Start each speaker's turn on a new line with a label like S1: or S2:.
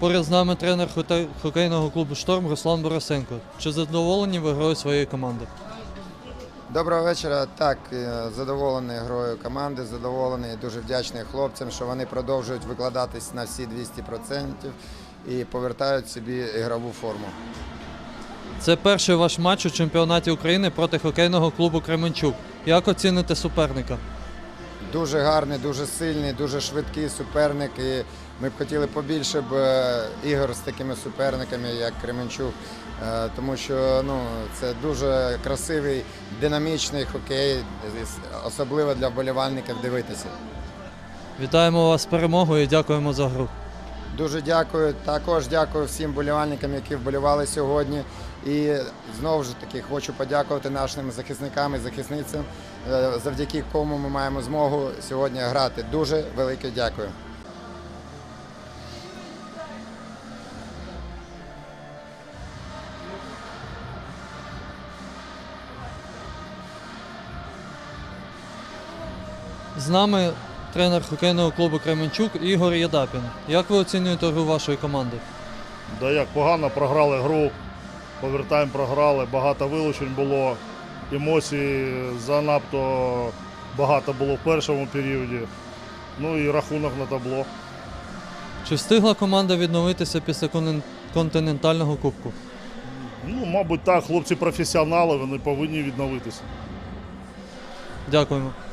S1: Поряд з нами тренер хокейного клубу «Шторм» Руслан Борисенко. Чи задоволені ви грою своєї команди?
S2: Доброго вечора. Так, задоволений грою команди, задоволений і дуже вдячний хлопцям, що вони продовжують викладатись на всі 200% і повертають собі ігрову форму.
S1: Це перший ваш матч у чемпіонаті України проти хокейного клубу «Кременчук». Як оціните суперника?
S2: Дуже гарний, дуже сильний, дуже швидкий суперник. І ми б хотіли побільше ігор з такими суперниками, як Кременчук, тому що це дуже красивий, динамічний хокей, особливо для вболівальників дивитися.
S1: Вітаємо вас з перемогою і дякуємо за гру.
S2: Дуже дякую. Також дякую всім вболівальникам, які вболівали сьогодні. І знову ж таки хочу подякувати нашим захисникам і захисницям, завдяки кому ми маємо змогу сьогодні грати. Дуже велике дякую.
S1: З нами тренер хокейного клубу «Кременчук» Ігор Єдапін. Як ви оцінюєте гру вашої команди?
S3: Да як погано, програли гру, повертаємо, програли, багато вилучень було, емоцій занадто багато було в першому періоді, ну і рахунок на табло.
S1: Чи встигла команда відновитися після континентального кубку?
S3: Ну, мабуть так, хлопці професіонали, вони повинні відновитися.
S1: Дякуємо.